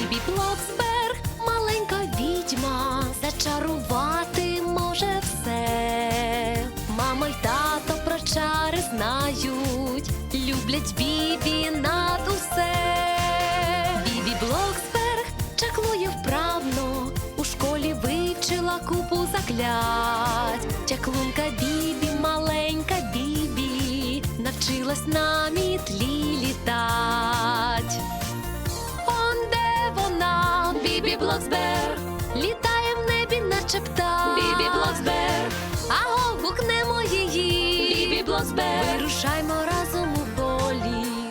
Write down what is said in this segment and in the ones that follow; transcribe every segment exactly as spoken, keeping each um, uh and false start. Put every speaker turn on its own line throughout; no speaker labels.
Бібі Блоксберг, маленька відьма, зачарувати може все. Мама й тато про чари знають, люблять Бібі над усе. Бібі Блоксберг чаклує вправно, у школі вивчила купу заклять. Чаклунка Бібі, маленька Бібі, навчилась на мітлі літать. Он де вона, Бібі Блоксберг, літає в небі, наче птах. Бібі Блоксберг, аго, гукнемо її. Бібі Блоксберг, вирушаймо разом у політ.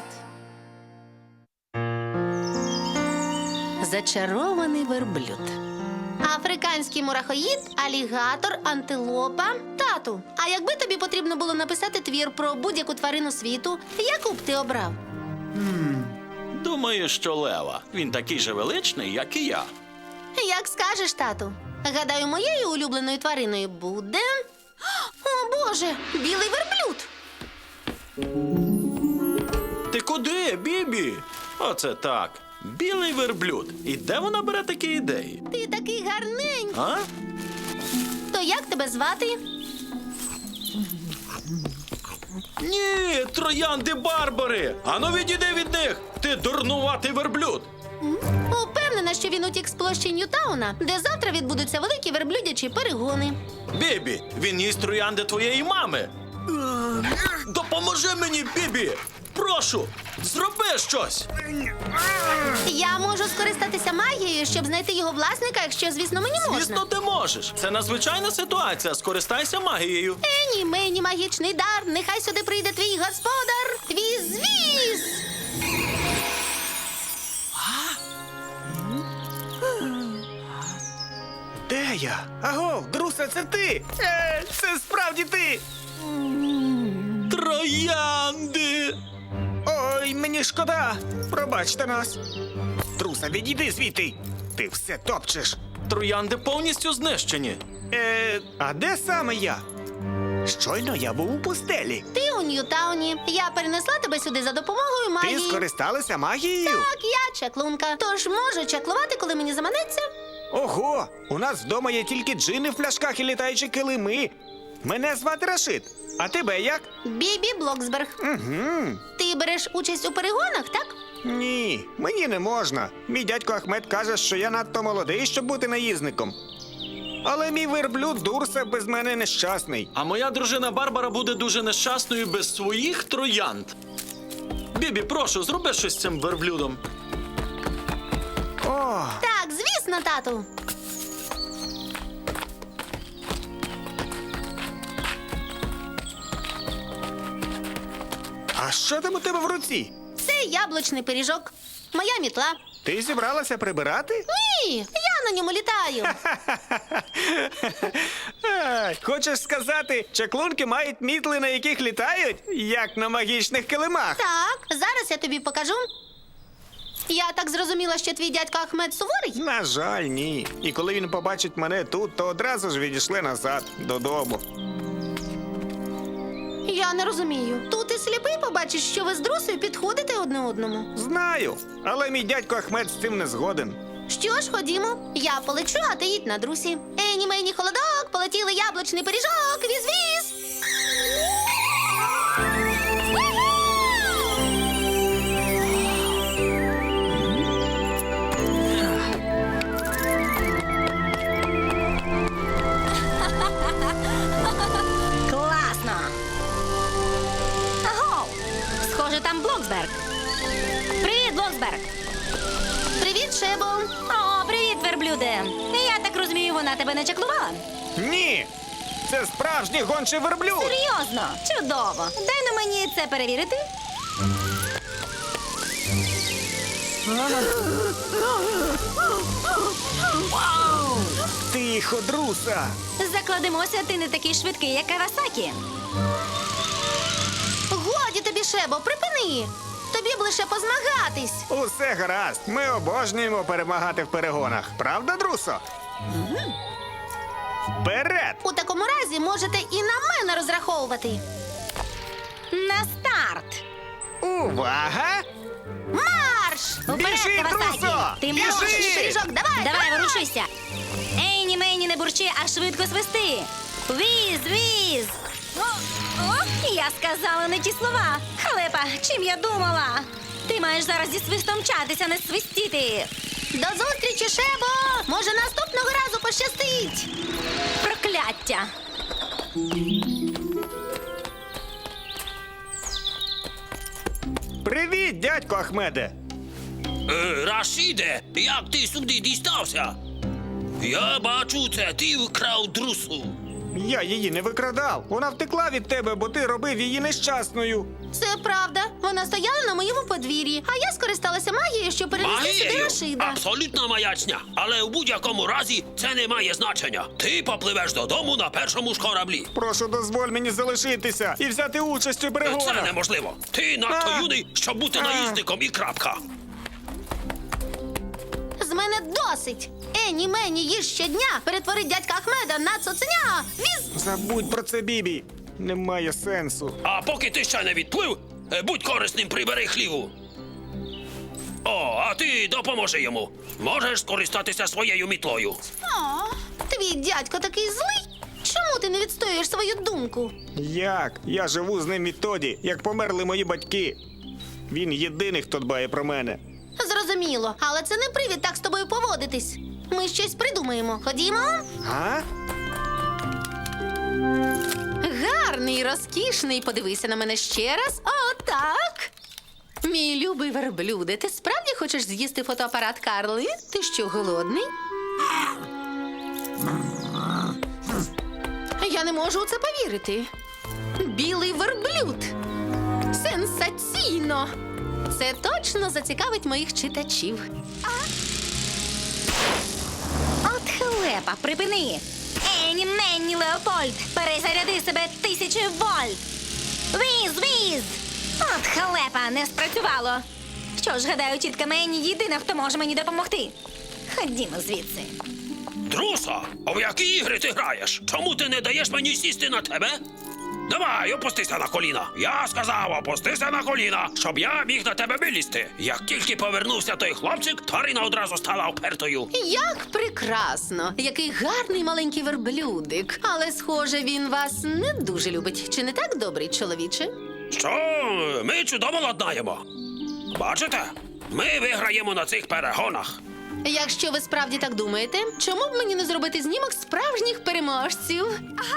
Зачарований верблюд. Африканський мурахоїд, алігатор, антилопа. Тату, а якби тобі потрібно було написати твір про будь-яку тварину світу, яку б ти обрав?
Думаю, що лева. Він такий же величний, як і я.
Як скажеш, тату. Гадаю, моєю улюбленою твариною буде... О, Боже, білий верблюд!
Ти куди, Бібі? Оце так. Білий верблюд. І де вона бере такі ідеї?
Ти такий гарненький.
А?
То як тебе звати?
Ні, троянди Барбари! Ану відійди від них! Ти дурнуватий верблюд!
Упевнена, що він утік з площі Ньютауна, де завтра відбудуться великі верблюдячі перегони.
Бібі, він їсть троянди твоєї мами! Допоможи мені, Бібі! Прошу, зроби щось!
Я можу скористатися магією, щоб знайти його власника, якщо, звісно, мені можна.
Звісно, ти можеш. Це надзвичайна ситуація. Скористайся магією.
Ені, мені магічний дар, нехай сюди прийде твій господар. Віз-віз!
Де я? Аго, Друсе, це ти! Е, це справді ти!
Троянди!
Ой, мені шкода! Пробачте нас! Друсе, відійди звідти! Ти все топчеш!
Троянди повністю знищені.
Е, а де саме я? Щойно я був у пустелі.
Ти у Ньютауні. Я перенесла тебе сюди за допомогою
Ти
магії.
скористалася магією?
Так, я чаклунка. Тож можу чаклувати, коли мені заманеться.
Ого! У нас вдома є тільки джини в пляшках і літаючі килими. Мене звати Рашид. А тебе як?
Бібі Блоксберг.
Угу.
Ти береш участь у перегонах, так?
Ні, мені не можна. Мій дядько Ахмед каже, що я надто молодий, щоб бути наїзником. Але мій верблюд Дурсе без мене нещасний.
А моя дружина Барбара буде дуже нещасною без своїх троянд. Бібі, прошу, зроби щось з цим верблюдом.
О,
Так, звісно, тату.
а що там у тебе в руці?
Це яблучний пиріжок. Моя мітла.
Ти зібралася прибирати?
Ні, я на ньому літаю.
Е, Хочеш сказати, чаклунки мають мітли, на яких літають, як на магічних килимах?
Так, зараз я тобі покажу. Я так зрозуміла, що твій дядько Ахмед суворий?
На жаль, ні. І коли він побачить мене тут, то одразу ж відійшли назад, додому.
Я не розумію. Тут і сліпий побачиш, що ви з Друсею підходите одне одному.
Знаю, але мій дядько Ахмед з цим не згоден.
Що ж, ходімо. Я полечу, а ти їдь на Друсі. Ені, мені холодок, полетіли яблучний пиріжок, віз-віз.
Класно! Аго! Схоже, там Блоксберг. Привіт, Блоксберг!
Привіт, Шебо.
О, привіт, верблюде! Я так розумію, вона тебе не чаклувала?
Ні! Це справжній гончий верблюд!
Серйозно? Чудово! Дай на мені це перевірити.
Тихо, Друса!
Закладемося, ти не такий швидкий, як Кавасакі.
Годі тобі, Шебо, припини. Тобі б лише позмагатись.
Усе гаразд. Ми обожнюємо перемагати в перегонах. Правда, Друсо? Вперед!
У такому разі можете і на мене розраховувати.
На старт!
Увага!
Марш!
Уперед,
Біжи,
Кавасакі!
Друсо!
Ти
Біжи!
можеш!
Пиріжок, давай!
Давай, ворушися! Ейні, мені, не бурчи, а швидко свисти! Віз, віз! О, о, я сказала не ті слова! Халепа, чим я думала? Ти маєш зараз зі свистом мчатися, не свистіти!
До зустрічі, Шебо! Може, наступного разу пощастить!
Прокляття!
Привіт, дядько Ахмеде!
Е, Рашіде, як ти сюди дістався? Я бачу, це ти вкрав друсу.
Я її не викрадав. Вона втекла від тебе, бо ти робив її нещасною.
Це правда. Вона стояла на моєму подвір'ї, а я скористалася магією, щоб перенести сюди
Магією?
Рашида.
Абсолютна маячня. Але у будь-якому разі це не має значення. Ти попливеш додому на першому ж кораблі.
Прошу, дозволь мені залишитися і взяти участь у
Це
перегонах.
неможливо. Ти надто
А.
юний, щоб бути
А.
наїзником і крапка.
З мене досить. Ені мені їж щодня перетворить дядька Ахмеда на цуценя. Віз!
Забудь про це, Бібі. Немає сенсу.
А поки ти ще не відплив, е, будь корисним, прибери хліву. О, а ти допоможи йому. Можеш скористатися своєю мітлою.
О, твій дядько такий злий. Чому ти не відстоюєш свою думку?
Як? Я живу з ним відтоді, як померли мої батьки. Він єдиний, хто дбає про мене.
Зрозуміло, але це не привід так з тобою поводитись. Ми щось придумаємо. Ходімо?
А?
Гарний, розкішний. Подивися на мене ще раз. О, так. Мій любий верблюде, ти справді хочеш з'їсти фотоапарат Карли? Ти що, голодний? Я не можу у це повірити. Білий верблюд. Сенсаційно! Це точно зацікавить моїх читачів.
От халепа, припини! Ені, мені, Леопольд! Перезаряди себе тисячі вольт! Віз, віз! От халепа, не спрацювало! Що ж, гадаю, тітка Мені єдина, хто може мені допомогти. Ходімо звідси.
Друса, а в які ігри ти граєш? Чому ти не даєш мені сісти на тебе? Давай, опустися на коліна. Я сказав, опустися на коліна, щоб я міг на тебе вилізти. Як тільки повернувся той хлопчик, тварина одразу стала впертою.
Як прекрасно! Який гарний маленький верблюдик. Але, схоже, він вас не дуже любить. Чи не так, добрий чоловіче?
Що? Ми чудово ладнаємо. Бачите? Ми виграємо на цих перегонах.
Якщо ви справді так думаєте, чому б мені не зробити знімок справжніх переможців?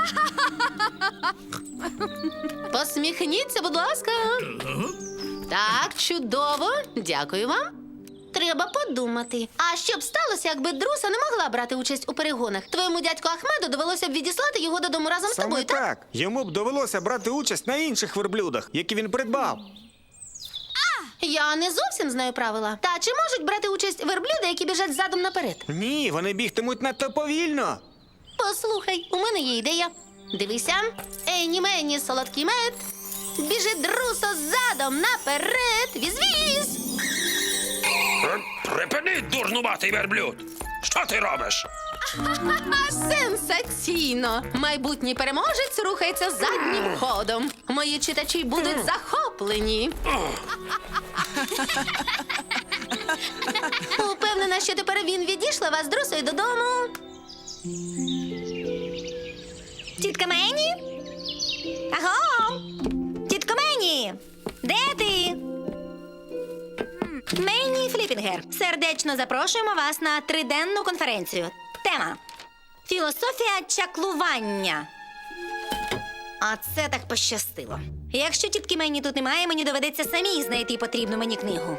Посміхніться, будь ласка. Так, чудово. Дякую вам. Треба подумати. А що б сталося, якби Друса не могла брати участь у перегонах? Твоєму дядьку Ахмеду довелося б відіслати його додому разом з
Саме
тобою, так?
так. Йому б довелося брати участь на інших верблюдах, які він придбав.
Я не зовсім знаю правила. Та чи можуть брати участь верблюди, які біжать задом наперед?
Ні, вони бігтимуть надто повільно.
Послухай, у мене є ідея. Дивися, Ені мені солодкий мед. Біжи, Друсо, задом наперед. Віз-віз.
Е, Припини, дурнуватий верблюд. Що ти робиш?
Сенсаційно! Майбутній переможець рухається заднім ходом. Мої читачі будуть захоплені. Упевнена, що тепер він відійшла вас з Друсою додому.
Тітка Мені? Аго! Тітко Мені! Де ти? Мені Фліпінгер. Сердечно запрошуємо вас на триденну конференцію. Тема філософія чаклування. А це так пощастило. Якщо тітки Мені тут немає, мені доведеться самій знайти потрібну мені книгу.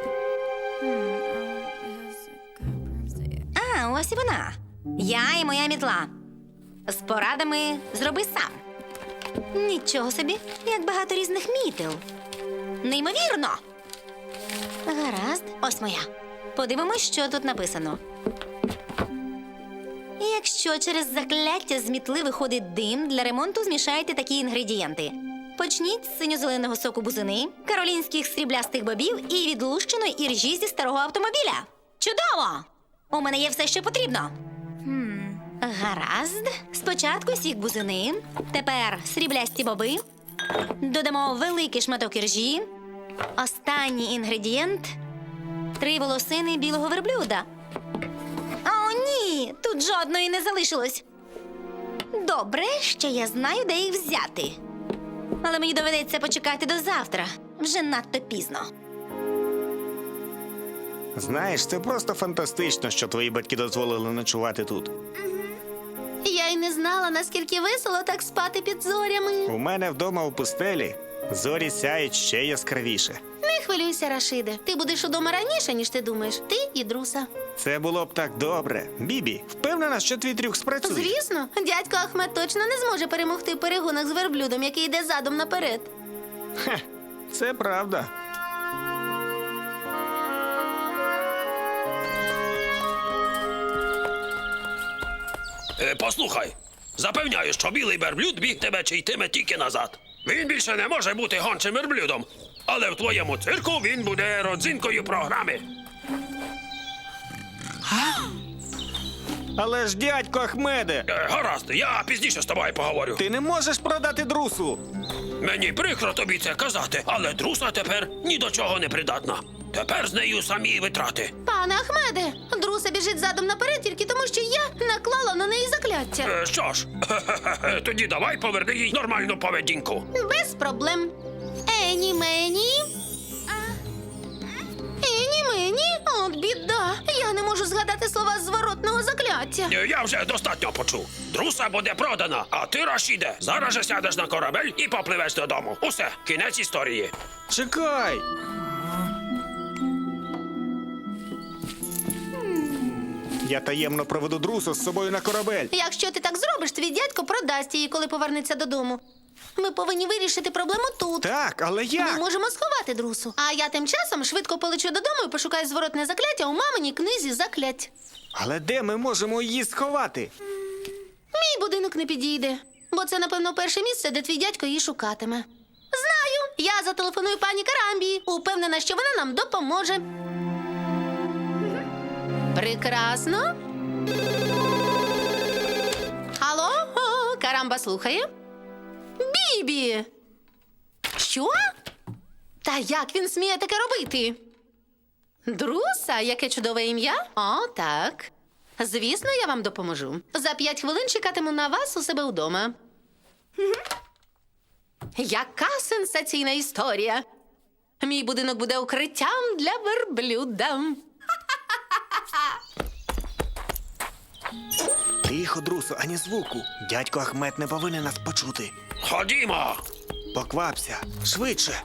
А, ось і вона. Я і моя мітла. З порадами зроби сам. Нічого собі, як багато різних мітел. Неймовірно. Гаразд, ось моя. Подивимось, що тут написано. Якщо через закляття з мітли виходить дим, для ремонту змішайте такі інгредієнти. Почніть з синьо-зеленого соку бузини, каролінських сріблястих бобів і відлущеної іржі зі старого автомобіля. Чудово! У мене є все, що потрібно. Гаразд. Спочатку сік бузини, тепер сріблясті боби. Додамо великий шматок іржі. Останній інгредієнт Три волосини білого верблюда. О, ні, тут жодної не залишилось. Добре, що я знаю, де їх взяти. Але мені доведеться почекати до завтра. Вже надто пізно.
Знаєш, це просто фантастично, що твої батьки дозволили ночувати тут.
Я й не знала, наскільки весело так спати під зорями.
У мене вдома у пустелі зорі сяють ще яскравіше.
Не хвилюйся, Рашиде. Ти будеш удома раніше, ніж ти думаєш. Ти і Друса.
Це було б так добре. Бібі, впевнена, що твій трюк спрацює?
Звісно, дядько Ахмед точно не зможе перемогти в перегонах з верблюдом, який йде задом наперед.
Хе, це правда.
Е, послухай, запевняю, що білий верблюд бігтиме чи йтиме тільки назад. Він більше не може бути гончим верблюдом. Але в твоєму цирку він буде родзинкою програми.
Але ж, дядько Ахмеде,
Е, гаразд, я пізніше з тобою поговорю.
ти не можеш продати друсу.
Мені прикро тобі це казати, але друса тепер ні до чого не придатна. Тепер з нею самі витрати.
Пане Ахмеде, Друса біжить задом наперед тільки тому, що я наклала на неї закляття.
Е, що ж, тоді давай поверни їй нормальну поведінку.
Без проблем. Ені мені. Ені мені. От біда. Я не можу згадати слова зворотного закляття.
Е, Я вже достатньо почув. Друса буде продана, а ти, Рашіде, зараз же сядеш на корабель і попливеш додому. Усе, кінець історії.
Чекай. Я таємно проведу друсу з собою на корабель.
Якщо ти так зробиш, твій дядько продасть її, коли повернеться додому. Ми повинні вирішити проблему тут.
Так, але
Ми
як?
можемо сховати друсу. А я тим часом швидко полечу додому і пошукаю зворотне закляття у маминій книзі заклять.
Але де ми можемо її сховати?
Мій будинок не підійде, бо це, напевно, перше місце, де твій дядько її шукатиме. Знаю, я зателефоную пані Карамбі. Упевнена, що вона нам допоможе. Прекрасно. Алло, О, Карамба слухає. Бібі! Що? Та як він сміє таке робити? Друса, яке чудове ім'я? О, так. Звісно, я вам допоможу. За п'ять хвилин чекатиму на вас у себе вдома. Яка сенсаційна історія! Мій будинок буде укриттям для верблюда.
Тихо, друсу, ані звуку. Дядько Ахмед не повинен нас почути.
Ходімо.
Поквапся, швидше.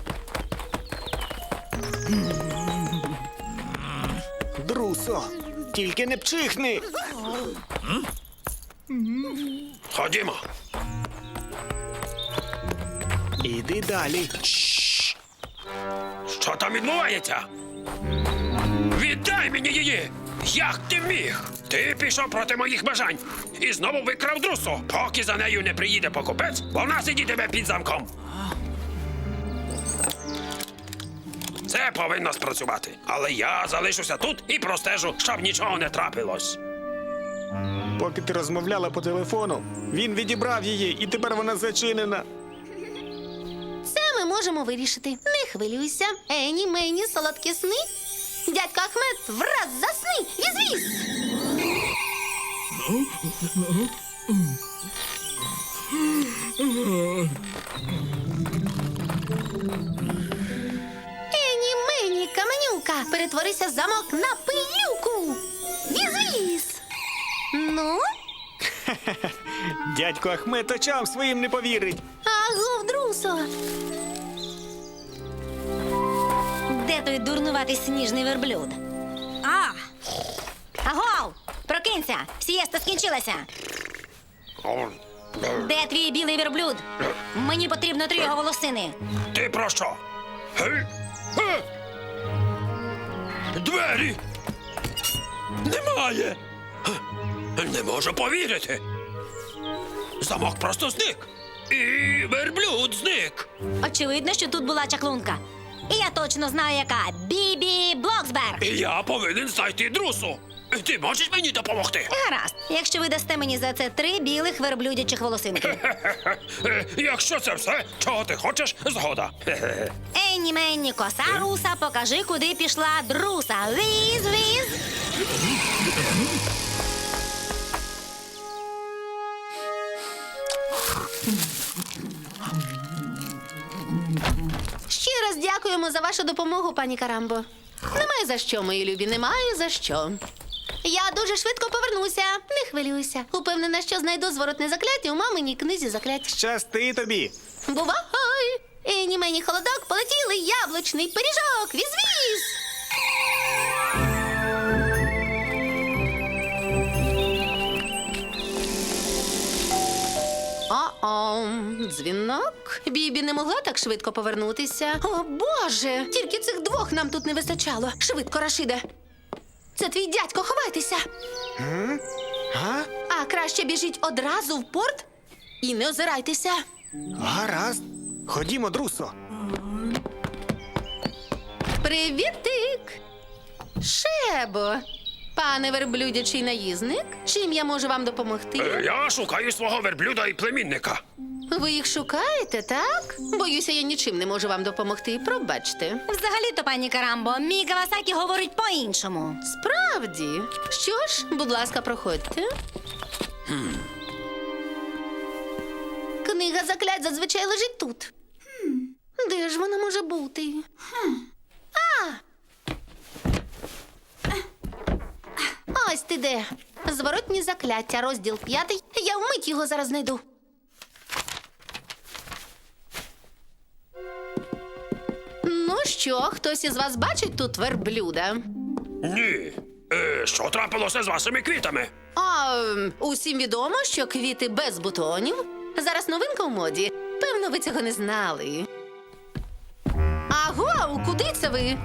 Друсо, тільки не пчихни.
Ходімо.
Іди далі.
Що там відбувається? Віддай мені її! Як ти міг? Ти пішов проти моїх бажань і знову викрав друсу. Поки за нею не приїде покупець, вона сидітиме під замком. Це повинно спрацювати. Але я залишуся тут і простежу, щоб нічого не трапилось.
Поки ти розмовляла по телефону, він відібрав її, і тепер вона зачинена.
Це ми можемо вирішити. Не хвилюйся. Ені, мені, солодкі сни. Дядько Ахмед, враз засни! Візвіз! Ені, мені, каменюка, перетворися замок на пилюку! Візвіз! Ну?
Дядько Ахмед очам своїм не повірить.
Агов, друсо!
Де той дурнуватий сніжний верблюд? А! Агов! Прокинься! Сієста скінчилася! Де твій білий верблюд? Мені потрібно три його волосини.
Ти про що? Гей? Е? Двері! Немає! Е, Не можу повірити. Замок просто зник. І верблюд зник.
Очевидно, що тут була чаклунка. І я точно знаю, яка. Бібі Блоксберг.
І я повинен знайти друсу. Ти можеш мені допомогти?
Гаразд, якщо ви дасте мені за це три білих верблюдячих волосинки.
Е, Якщо це все, чого ти хочеш, згода. Хе-хе.
Ей, Енні, Менні, коса руса, покажи, куди пішла друса. Віз, віз.
Ще раз дякуємо за вашу допомогу, пані Карамбо. Немає за що, мої любі, немає за що. Я дуже швидко повернуся, не хвилюйся. Упевнена, що знайду зворотне закляття у маминій книзі заклять.
Щасти тобі.
Бувай! Ені мені холодок, полетіли яблучний пиріжок. Віз-віз! О-о, дзвінок. Бібі не могла так швидко повернутися. О, Боже! Тільки цих двох нам тут не вистачало. Швидко, Рашиде. Це твій дядько, ховайтеся.
А?
А краще біжіть одразу в порт і не озирайтеся.
Гаразд. Ходімо, друсо.
Привітик! Шебо! Пане верблюдячий наїзник, чим я можу вам допомогти?
Е, Я шукаю свого верблюда і племінника.
Ви їх шукаєте, так? Боюся, я нічим не можу вам допомогти. Пробачте.
Взагалі-то, пані Карамбо, мій Кавасакі говорить по-іншому.
Справді. Що ж, будь ласка, проходьте. Книга заклять зазвичай лежить тут. Де ж вона може бути? А! Ось ти де. Зворотні закляття, розділ п'ятий. Я вмить його зараз знайду. Ну що, хтось із вас бачить тут верблюда?
Ні. Е, що трапилося з вашими квітами?
А ем, усім відомо, що квіти без бутонів зараз новинка у моді. Певно, ви цього не знали. Аго, куди це ви?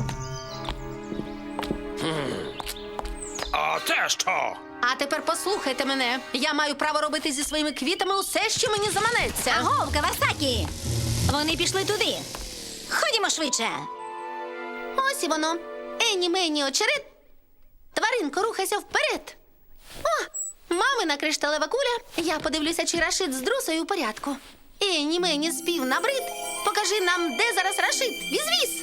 А те що?
А тепер послухайте мене. Я маю право робити зі своїми квітами усе, що мені заманеться.
Агов, Кавасакі! Вони пішли туди. Ходімо швидше.
Ось і воно. Ені мені очерет. Тваринко, рухайся вперед. О, мамина кришталева куля. Я подивлюся, чи Рашид з друсою у порядку. Ені мені спів набрид. Покажи нам, де зараз Рашид. Віз-віз.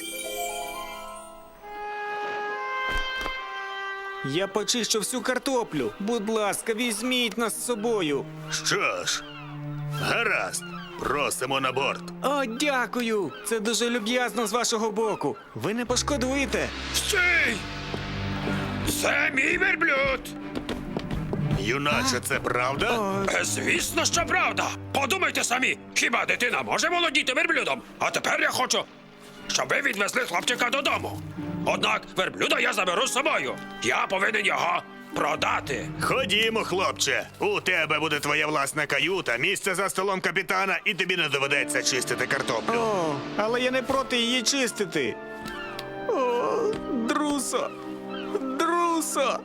Я почищу всю картоплю. Будь ласка, візьміть нас з собою.
Що ж, гаразд, просимо на борт.
О, дякую! Це дуже люб'язно з вашого боку. Ви не пошкодуєте.
Стій! Це мій верблюд!
Юначе, це правда?
Е, Звісно, що правда. Подумайте самі, хіба дитина може володіти верблюдом? А тепер я хочу, щоб ви відвезли хлопчика додому. Однак верблюда я заберу з собою. Я повинен його продати.
Ходімо, хлопче. У тебе буде твоя власна каюта, місце за столом капітана, і тобі не доведеться чистити картоплю.
О, але я не проти її чистити. О, друсо! Друсо!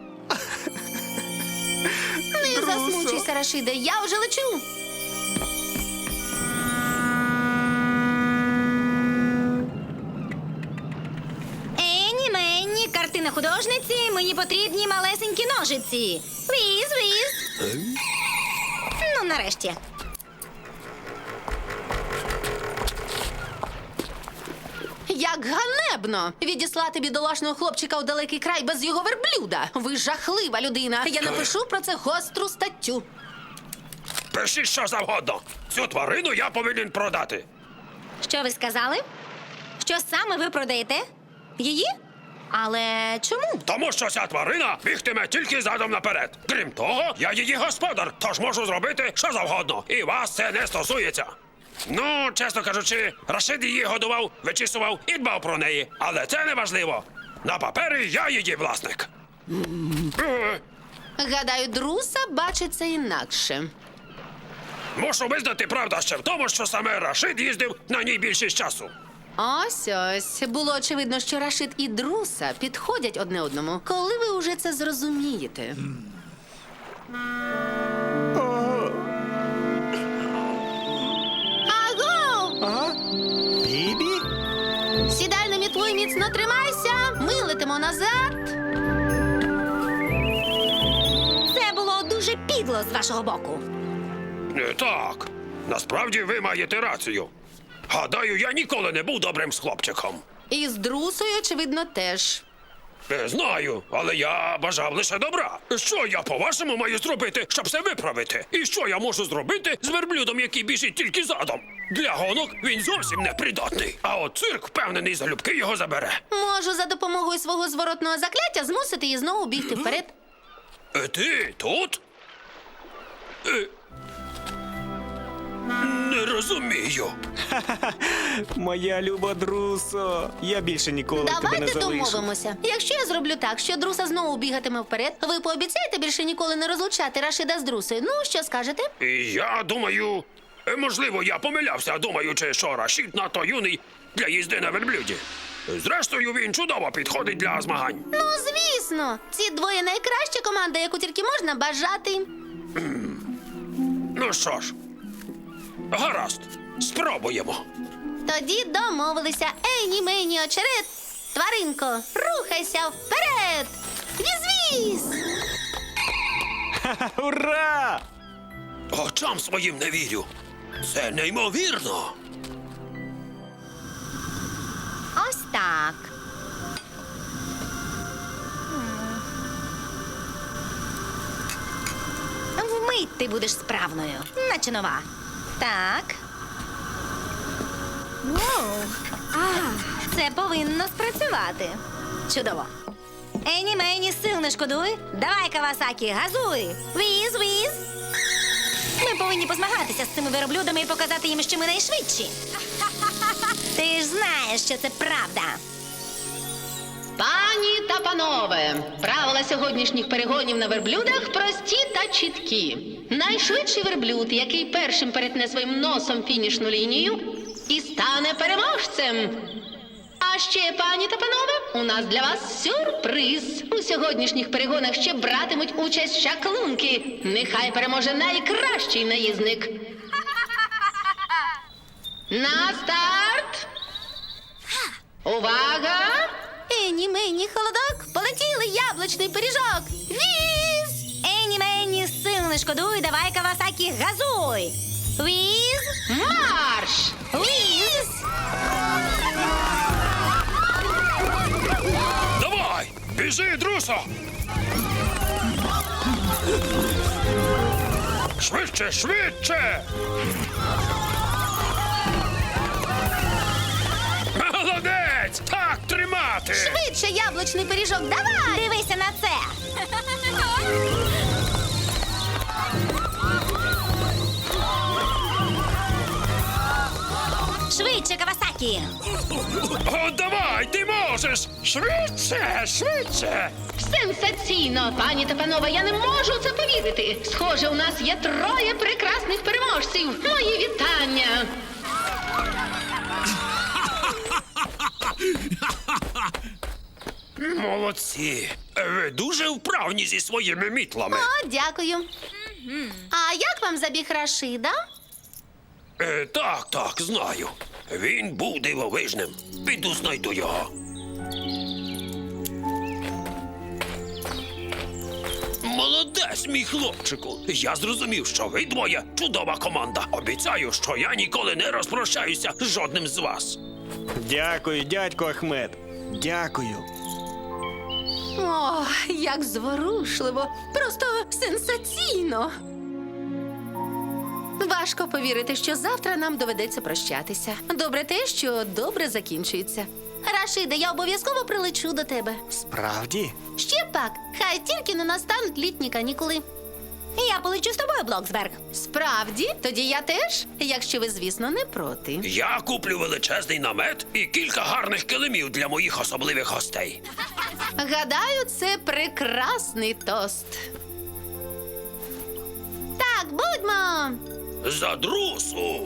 Не
Друсо.
засмучуйся, Рашиде, я вже лечу.
Енні, Менні, картина художниці, мені потрібні малесенькі ножиці. Віз, віз. Ну, нарешті.
Як ганебно відіслати бідолашного хлопчика у далекий край без його верблюда. Ви жахлива людина. Я напишу про це гостру статтю.
Пишіть що завгодно. Цю тварину я повинен продати.
Що ви сказали? Що саме ви продаєте? Її? Але чому?
Тому що ця тварина бігтиме тільки задом наперед. Крім того, я її господар, тож можу зробити що завгодно. І вас це не стосується. Ну, чесно кажучи, Рашид її годував, вичісував і дбав про неї. Але це не важливо. На папері я її власник. Е,
Гадаю, друса бачить це інакше.
Мушу визнати, правда ще в тому, що саме Рашид їздив на ній більшість часу.
Ось ось. Було очевидно, що Рашид і друса підходять одне одному. Коли ви уже це зрозумієте? Аго!
А? Бібі?
Сідай на мітлу і міцно тримайся. Ми летимо назад.
Це було дуже підло з вашого боку.
Не так. Насправді ви маєте рацію. Гадаю, я ніколи не був добрим з хлопчиком.
І з друсою, очевидно, теж.
Не знаю, але я бажав лише добра. Що я, по-вашому, маю зробити, щоб все виправити? І що я можу зробити з верблюдом, який біжить тільки задом? Для гонок він зовсім не придатний. А от цирк, впевнений, залюбки його забере.
Можу за допомогою свого зворотного закляття змусити її знову бігти вперед.
Е, ти тут? Е... Не розумію.
Моя люба Друсо, я більше ніколи тебе не
Давайте
залишу.
домовимося. Якщо я зроблю так, що друса знову бігатиме вперед, ви пообіцяєте більше ніколи не розлучати Рашида з друсою. Ну, що скажете?
І я думаю, е, можливо, я помилявся, думаючи, що Рашід надто юний для їзди на верблюді. Зрештою, він чудово підходить для змагань.
Ну, звісно, ці двоє найкраща команда, яку тільки можна бажати.
Ну що ж, гаразд, спробуємо.
Тоді домовилися. Ейні, мені, очерет. Тваринко, рухайся вперед! Віз-віз!
Ура!
Очам своїм не вірю. Це неймовірно.
Ось так. Вмить ти будеш справною, наче нова. Так. Воу. А, це повинно спрацювати. Чудово. Ені мені сил не шкодуй. Давай, Кавасакі, газуй. Віз, віз. Ми повинні позмагатися з цими верблюдами і показати їм, що ми найшвидші. Ти ж знаєш, що це правда.
Пані та панове, правила сьогоднішніх перегонів на верблюдах прості та чіткі. Найшвидший верблюд, який першим перетне своїм носом фінішну лінію, і стане переможцем. А ще, пані та панове, у нас для вас сюрприз. У сьогоднішніх перегонах ще братимуть участь шаклунки. Нехай переможе найкращий наїзник. На старт! Увага! Ені мені холодок, полетіли яблучний пиріжок. Віз!
Ені мені сил не шкодуй, давай, Кавасакі, газуй. Віз,
Марш!
віз.
Давай, біжи, друсо! Швидше, швидше! Молодець! Так тримати!
Швидше яблучний пиріжок, давай!
Дивися на це. Швидше, Кавасакі.
О, давай, ти можеш! Швидше, швидше!
Сенсаційно, пані та панове, я не можу в це повірити. Схоже, у нас є троє прекрасних переможців. Мої вітання!
Молодці! Ви дуже вправні зі своїми мітлами.
О, дякую. А як вам забіг Рашида?
Е, так, так, знаю. Він був дивовижним. Піду знайду його. Молодець, мій хлопчику. Я зрозумів, що ви двоє чудова команда. Обіцяю, що я ніколи не розпрощаюся з жодним з вас.
Дякую, дядько Ахмед. Дякую.
О, як зворушливо! Просто сенсаційно! Важко повірити, що завтра нам доведеться прощатися. Добре те, що добре закінчується. Рашиде, я обов'язково прилечу до тебе.
Справді?
Ще пак, хай тільки не настануть літні канікули.
Я полечу з тобою, Блоксберг.
Справді? Тоді я теж, якщо ви, звісно, не проти.
Я куплю величезний намет і кілька гарних килимів для моїх особливих гостей.
Гадаю, це прекрасний тост. Так, будьмо!
За друсу!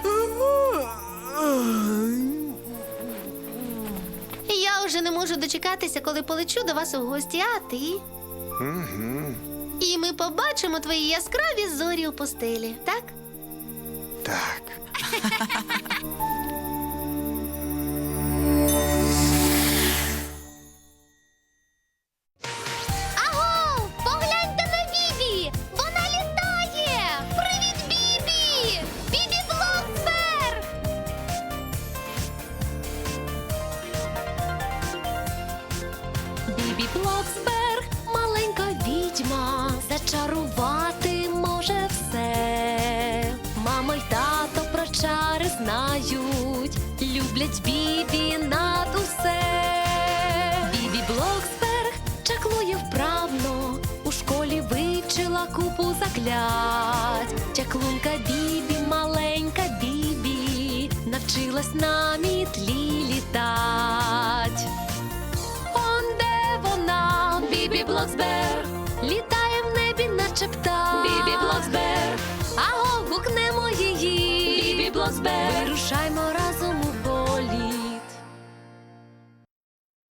Я вже не можу дочекатися, коли полечу до вас у гості, а ти?
Угу.
І ми побачимо твої яскраві зорі у пустелі, так?
Так.
Аго! Погляньте на Бібі! Вона літає! Привіт, Бібі! Бібі Блоксберг!
Бібі Блоксберг, маленька відьма, зачарувати може все. Мама й тато про чари знають, люблять Бібі над усе. Бібі Блоксберг чаклує вправно, у школі вивчила купу заклять. Чаклунка Бібі, маленька Бібі, навчилась на мітлі літать. Он де вона, Бібі Блоксберг, літає в небі, наче птах. Бібі Блоксберг, аго, гукнемо її. Бібі Блоксберг, вирушаймо